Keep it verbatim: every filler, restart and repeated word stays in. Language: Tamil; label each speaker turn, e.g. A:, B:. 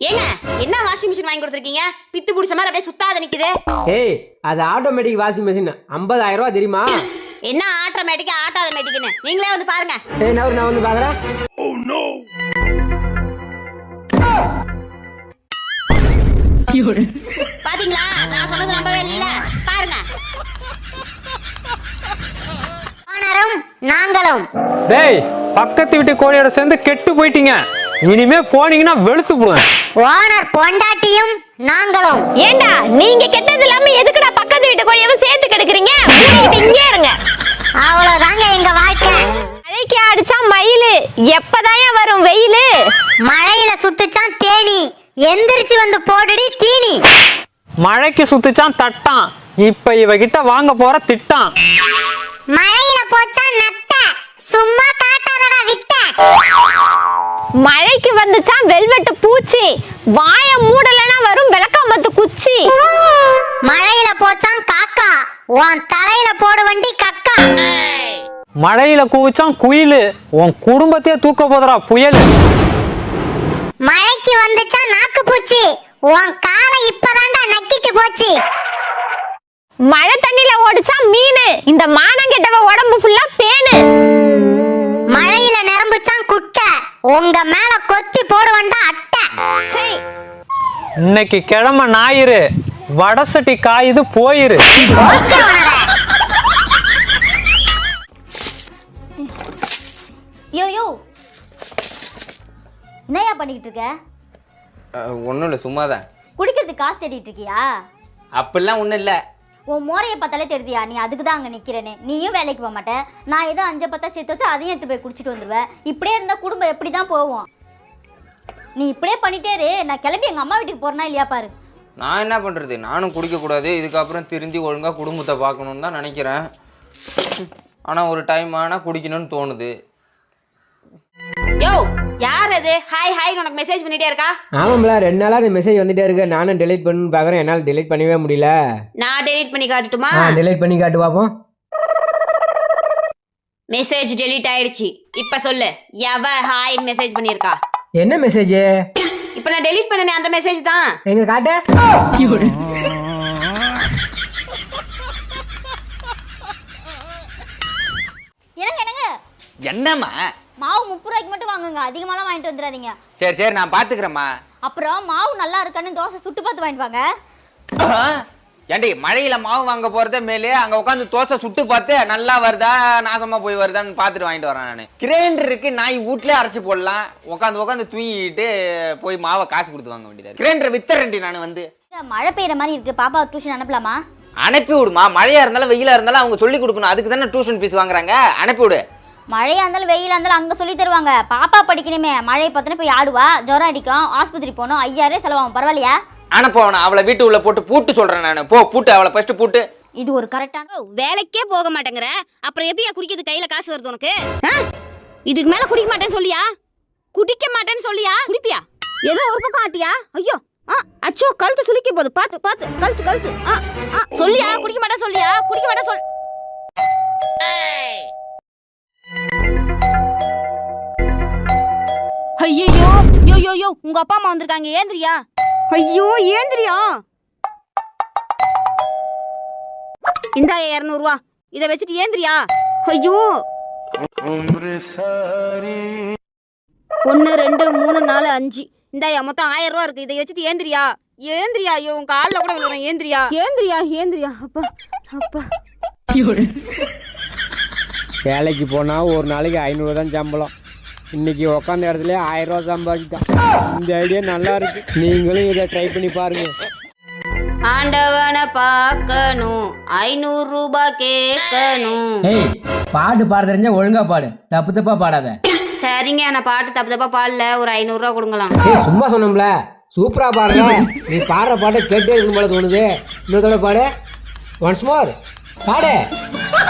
A: ஏங்க என்ன வாஷிங் மிஷின் வாங்கி கொடுத்துருக்கீங்க? பித்து புடிச்ச மாதிரி அப்படியே சுத்தாத நிக்குது.
B: ஏய் அது ஆட்டோமேட்டிக் வாஷிங் மிஷின் ஐம்பதாயிரம் ரூபாய் தெரியுமா?
A: என்ன ஆட்டோமேட்டிக்கா ஆட்டோமேட்டிக்னு நீங்களே வந்து பாருங்க.
B: ஏய் நான் நான் வந்து பாக்குறேன். Oh no.
A: பாத்தீங்களா நான் சொன்னது நம்பவே இல்ல பாருங்க.
C: ஓனரும் நாங்களும்.
D: டேய் பக்கத்து வீட்டு கோழியோட சேர்ந்து கெட்டு போயிட்டீங்க. இனிமே போனீங்கன்னா வெளுத்து போடுவேன்.
C: ஓனர் பொண்டாட்டியும் நாங்களும்.
A: ஏண்டா நீங்க கெட்டது இல்லாம எதுக்குடா பக்கத்து வீட்டு கோழியவும் சேர்த்து கெடுக்குறீங்க? இங்கே இருங்க.
C: அவ்வளவுதாங்க எங்க வாழ்க்கை.
A: மழைக்கு அடிச்சா மயிலு எப்பதாயா வரும் வெயிலு?
C: மழையில சுத்துச்சான் தேனி எந்திரிச்சு வந்து போடுடி தீனி.
D: மழைக்கு சுத்துச்சான் தட்டான் இப்ப இவகிட்ட வாங்க போற திட்டான்.
C: மழையில போச்சா நட்ட சும்மா காட்டாதடா விட்ட.
A: மழைக்கு வந்துச்சான் வெல்வெட்டு பூச்சி வாய மூடலனா வரும் விளக்காமத்து குச்சி.
C: மழையில போச்சான் காக்கா உன் தலையில போடு வண்டி கக்கா.
D: மழையில கூவிச்சான் குயிலு உன் குடும்பத்தையே தூக்க போதரா புயல்.
C: மழைக்கு வந்துச்சா நாக்கு பூச்சி உன் காலை இப்பதான்டா நக்கிட்டு போச்சு.
A: மழை தண்ணில ஓடிச்சா மீனு இந்த மானங்கெட்டவ உடம்பு ஃபுல்லா பேனு.
C: மழையில நிரம்புச்சான் குட்டை உங்க மேல கொத்தி போடுவண்டா அட்டை.
D: இன்னைக்கு கிழமை ஞாயிறு வடசட்டி காயுது போயிரு.
C: யோ யோ என்னையா பண்ணிக்கிட்டு இருக்க?
E: ஒன்றும் இல்லை சும்மா தான்.
C: குடிக்கிறதுக்கு காசு தேடிட்டு இருக்கியா?
E: அப்படிலாம் ஒன்றும் இல்லை.
C: உன் மோரையை பார்த்தாலே தெரியுதியா நீ அதுக்கு தான் அங்கே நிற்கிறேன்னு. நீயும் வேலைக்கு போக மாட்டேன். நான் ஏதோ அஞ்சு பத்தா சேர்த்து வச்சு அதையும் எடுத்து போய் குடிச்சிட்டு வந்துடுவேன். இப்படியே இருந்தால் குடும்பம் எப்படி தான் போவோம்? நீ இப்படியே பண்ணிட்டே இரு. நான் கிளம்பி எங்கள் அம்மா வீட்டுக்கு போகிறேன்னா இல்லையா பாரு.
E: நான் என்ன பண்ணுறது, நானும் குடிக்கக்கூடாது. இதுக்கப்புறம் திருந்தி ஒழுங்காக குடும்பத்தை பார்க்கணுன்னு தான் நினைக்கிறேன். ஆனால் ஒரு டைம் ஆனால் குடிக்கணும்னு தோணுது.
A: யோ யார் அது ஹாய் ஹாய் உனக்கு மெசேஜ் பண்ணிட்டே இருக்கா?
B: ஆமாம்ல ரெண்டு நாளா அந்த மெசேஜ் வந்துட்டே இருக்கு. நானும் டெலீட் பண்ணு பாக்குறேன். என்னால டெலீட் பண்ணவே முடியல.
A: நான் டெலீட் பண்ணி காட்டட்டுமா?
B: ஆ டெலீட் பண்ணி காட்டு பாப்போம்.
A: மெசேஜ் டெலீட் ஆயிடுச்சு. இப்ப சொல்லு எவ ஹாய் மெசேஜ் பண்ணிருக்கா?
B: என்ன மெசேஜ்?
A: இப்ப நான் டெலீட் பண்ணனே அந்த மெசேஜ் தான்.
B: எங்க காட்டு.
C: என்னங்க என்னங்க
E: என்னம்மா?
C: மாவு முப்பது ரூபாய்க்கு மட்டும் வாங்குங்க, அதிகமாலாம் வாங்கிட்டு வந்துடாதீங்க.
E: சரி சரி நான் பார்த்துக்கிறேம்மா.
C: அப்புறம் மாவு நல்லா இருக்கான்னு தோசை சுட்டு பார்த்து வாங்கிட்டு வாங்க.
E: ஏண்டி மழையில மாவு வாங்க போறதே மேலே அங்க உட்காந்து தோசை சுட்டு பார்த்து நல்லா வருதா நாசமா போய் வருதான்னு பார்த்துட்டு வாங்கிட்டு வரேன். நான் கிரைண்டர் இருக்கு, நாய் வீட்லயே அரைச்சு போடலாம். உட்காந்து உட்காந்து தூங்கிட்டு போய் மாவை காசு கொடுத்து வாங்க வேண்டியது. கிரைண்டர் வித்தரண்டி நான் வந்து.
C: மழை பெய்யுற மாதிரி இருக்கு, பாப்பா டியூஷன் அனுப்பலாமா?
E: அனுப்பி விடுமா. மழையா இருந்தாலும் வெயிலா இருந்தாலும் அவங்க சொல்லி கொடுக்கணும். அதுக்கு தானே டியூஷன் ஃபீஸ் வாங்குறாங்க. அனுப்பி விடு.
C: மழையா இருந்தாலும் வெயிலா இருந்தாலும் அங்க சொல்லி தருவாங்க. பாப்பா படிக்கணுமே. மழை பார்த்தோன்னே போய் ஆடுவா, ஜுரம் அடிக்கும், ஆஸ்பத்திரி போகணும், ஐயாயிரம் செலவாகும். பரவாயில்லையா?
E: அனுப்பவன அவளை வீட்டு உள்ள போட்டு பூட்டு சொல்றேன் நான். போ பூட்டு அவளை ஃபர்ஸ்ட் பூட்டு.
C: இது ஒரு கரெக்டான.
A: வேலைக்கே போக மாட்டேங்கற அப்புறம் எப்படியா குடிக்கிறது? கையில காசு வருது உனக்கு? இதுக்கு மேல குடிக்க மாட்டேன்னு சொல்லியா? குடிக்க மாட்டேன்னு சொல்லியா? குடிப்பியா? ஏதோ ஒரு பக்கம் ஆட்டியா? ஐயோ அச்சோ கழுத்து சுளிக்க போகுது. பாத்து பாத்து கழுத்து கழுத்து. சொல்லியா குடிக்க மாட்டேன் சொல்லியா? குடிக்க மாட்டேன் சொல். ஐயோ யோ யோ யோ உங்க அப்பா அம்மா வந்திருக்காங்க. ஏந்திரியா? ஐயோ ஏந்திரியா? இந்தா இருநூறு ரூபா, இதை வச்சுட்டு ஏந்திரியா? ஐயோ ஒன்னு ரெண்டு மூணு நாலு அஞ்சு இந்தாயா மொத்தம் ஆயிரம் ரூபா இருக்கு. இதை வச்சுட்டு ஏந்திரியா? ஏந்திரியா? ஐயோ உங்க காலில் கூட விழுறேன். ஏந்திரியா ஏந்திரியா ஏந்திரியா? அப்பா அப்பா.
B: வேலைக்கு போனா ஒரு நாளைக்கு ஐநூறு தான் சம்பளம். இன்னைக்கு உட்காந்த இடத்துல ஆயிரம் ரூபா சம்பாதிட்டான். இந்த ஐடியா நல்லா இருக்கு. நீங்களும் இதை ட்ரை பண்ணி பாருங்க.
A: ஆண்டவனை பார்க்கணும், ஐநூறு ரூபாய் கேட்கணும்.
B: ஏய் பாட்டு பாட தெரிஞ்சா ஒழுங்கா பாடு, தப்பு தப்பா பாடாத.
A: சரிங்க நான் பாட்டு தப்பு தப்பா பாடல, ஒரு ஐநூறு ரூபா கொடுங்களாம்.
B: ஏய் சும்மா சொன்னோம்ல, சூப்பரா பாடுற. நீ பாடுற பாட்டை கேட்டே இருக்கணும் போல தோணுது. இன்னொரு பாடு, ஒன்ஸ் மோர் பாடு.